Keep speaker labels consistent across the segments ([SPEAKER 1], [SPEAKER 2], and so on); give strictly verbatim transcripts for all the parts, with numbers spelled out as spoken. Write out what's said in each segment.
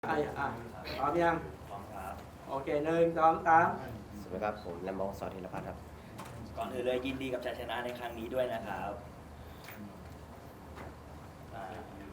[SPEAKER 1] อ่ะอ่ะพร้อมยัง
[SPEAKER 2] พร้อมครับ
[SPEAKER 1] โอเคหนึ่งสองสาม
[SPEAKER 3] สวัสดีครับผมแลมบองสอธีรพัฒน์ครับ
[SPEAKER 2] ก่อนอื่นเลยยินดีกับชัยชนะในครั้งนี้ด้วยนะครับอ่า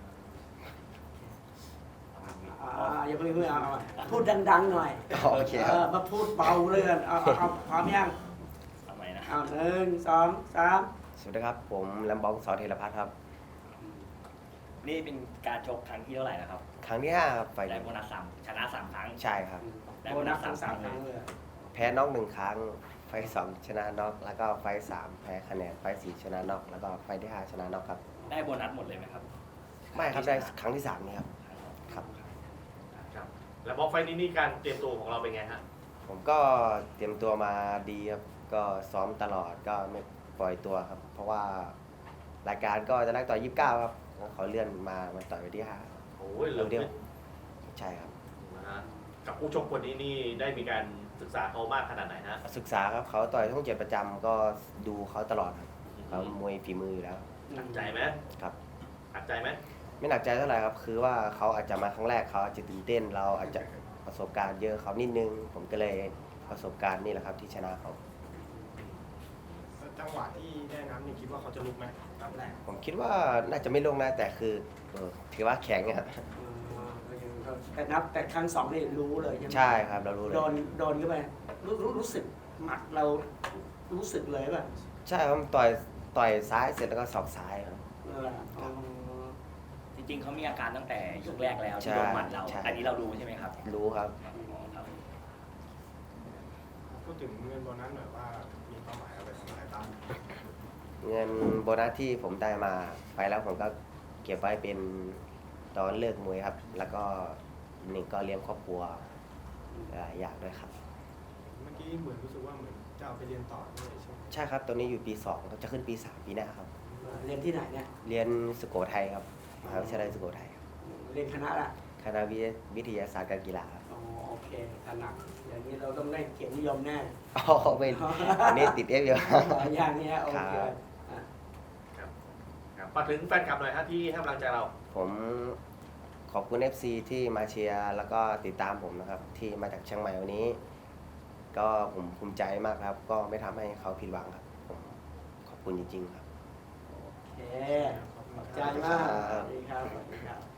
[SPEAKER 1] อ่าอย่าเพิ่งเพิ่งเอาเอาพูดดังๆหน่อย
[SPEAKER 3] โอเคครับ
[SPEAKER 1] เออมาพูดเบาเลยกันเอาเอาเอาพร้อมยัง
[SPEAKER 2] ทำไมนะ
[SPEAKER 1] เอาหนึ่งสองสาม
[SPEAKER 3] สวัสดีครับผมแลมบองสอธีรพัฒน์ครับ
[SPEAKER 2] นี่เป็นการชกครั้งที่เท่าไหร่นะครับ
[SPEAKER 3] ครั้งที่ห้าครับไฟ
[SPEAKER 2] ได้โบนัสสามชนะสามครั้ง
[SPEAKER 3] ใช่ครับ
[SPEAKER 2] ได้
[SPEAKER 1] โบ
[SPEAKER 2] โบ
[SPEAKER 1] นั
[SPEAKER 2] นั
[SPEAKER 1] ส
[SPEAKER 2] ส
[SPEAKER 1] สา
[SPEAKER 2] สาม ม
[SPEAKER 1] สา
[SPEAKER 2] ค
[SPEAKER 1] ม
[SPEAKER 2] รั้ง
[SPEAKER 1] ครั้ง
[SPEAKER 2] เลย
[SPEAKER 1] เลย
[SPEAKER 3] แพ้น็อกหนึ่งครั้ง ไฟสองชนะน็อกแล้วก็ไฟสามแพ้คะแนนไฟสี่ชนะน็อกแล้วก็ไฟที่ห้าชนะน็อกครับ
[SPEAKER 2] ได้โบนัสหมดเลยไหมครับ
[SPEAKER 3] ไม่ครับได้ครั้งที่สามนี่ครับครับ
[SPEAKER 4] ครับแล้วบล็อกไฟล์นี้นี่การเตรียมตัวของเราเป็นไงฮะ
[SPEAKER 3] ผมก็เตรียมตัวมาดีครับก็ซ้อมตลอดก็ไม่ปล่อยตัวครับ เพราะว่ารายการก็จะนักต่อยยี่สิบเก้าครับแล้วเขาเลื่อนมามาต่อยวันที่ห้า
[SPEAKER 4] โอ้ยเหลือ
[SPEAKER 3] เดี
[SPEAKER 4] เดี
[SPEAKER 3] ย
[SPEAKER 4] ยว ว
[SPEAKER 3] ใช่ครับ
[SPEAKER 4] นะฮะกับผู้ชกคนนี้นี่ได้มีการศึกษาเขามากขนาดไหนฮะ
[SPEAKER 3] ศึกษาครับเขาต่อยช่องเจ็ดประจำก็ดูเขาตลอดครับเขามวยฝีมืออยู่แล้ว
[SPEAKER 4] หนักใจไหม
[SPEAKER 3] ครับ
[SPEAKER 4] หนักใจไหม
[SPEAKER 3] ไม่หนักใจเท่าไหร่ครับ คือว่าเขาอาจจะมาครั้งแรกเขาอาจจะตื่นเต้น เราอาจจะประสบการณ์เยอะเขานิดนึง ผมก็เลยประสบการณ์นี่แหละครับที่ชนะเขา
[SPEAKER 5] จังหวะที่ได้น้ำนี่คิดว่าเขาจะลุกไหม
[SPEAKER 1] ครับแรก
[SPEAKER 3] ผมคิดว่าน่าจะไม่ลงนะแต่คือเออถือว่าแข็งครับ
[SPEAKER 1] แต่นับแต่ครั้งสองนี่รู้เลยใช่ไหม
[SPEAKER 3] ใช่ครับเรารู้เลย
[SPEAKER 1] โดนโดนเข้าไปรู้รู้รู้สึกหมัดเรารู้สึกเลยป่ะ
[SPEAKER 3] ใช่ครับต่อยต่อยซ้ายเสร็จแล้วก็สอกซ้ายครับ
[SPEAKER 1] เอออ๋อ
[SPEAKER 2] จริงๆเขามีอาการตั้งแต่ยกแรกแล้ว
[SPEAKER 3] ใช่
[SPEAKER 2] ที่โดนหมัดเรา
[SPEAKER 3] ใช่
[SPEAKER 2] อันนี้เรารู้ใช่ไหมครับ
[SPEAKER 3] รู้ครับ
[SPEAKER 2] อ๋อครับ
[SPEAKER 5] พูดถึงเงินโบนัสหน่อยว่ามีเป้าหมายอะไรทำอะไรบ้าง
[SPEAKER 3] เงินโบนัสที่ผมได้มาไปแล้วผมก็เก็บไว้เป็นตอนเลิกมวยครับ แล้วก็อีกหนึ่งก็เลี้ยงครอบครัวหลายอย่างด้วยครับ
[SPEAKER 5] เมื่อกี้เหมือนรู้สึกว่าเหมือนจะเอาไปเรียนต่อด้วยใช่ไหม
[SPEAKER 3] ใช่ครับตอนนี้อยู่ปีสองจะขึ้นปีสามปีหน้าครับ
[SPEAKER 1] เรียนที่ไหนเนี่ย
[SPEAKER 3] เรียนสุโขทัยครับมหาวิทยาลัยสุโขทัยครับ
[SPEAKER 1] เรียนคณะละ
[SPEAKER 3] คณะวิวิทยาศาสตร์การกีฬาครับ
[SPEAKER 1] อ๋อโอเคถนัดอย่างนี้เราต้องได้เกียรตินิยมแน่
[SPEAKER 3] อ๋อเป็นอันนี้ติดเอฟเยอะ
[SPEAKER 1] อย่างนี้โอ
[SPEAKER 3] ครั
[SPEAKER 1] เค
[SPEAKER 3] บ
[SPEAKER 1] อ่ะ
[SPEAKER 4] ครับครับฝากถึงแฟนคลับหน่อยฮะที่ให้กำลังใจเรา
[SPEAKER 3] ผมขอบคุณ เอฟ ซี ที่มาเชียร์แล้วก็ติดตามผมนะครับ ที่มาจากเชียงใหม่วันนี้ ก็ผมภูมิใจมากครับ ก็ไม่ทำให้เขาผิดหวังครับผมขอบคุณจริงๆครับ
[SPEAKER 1] โอเคขอบใจมากสวัสดีครับสวัสดีครับ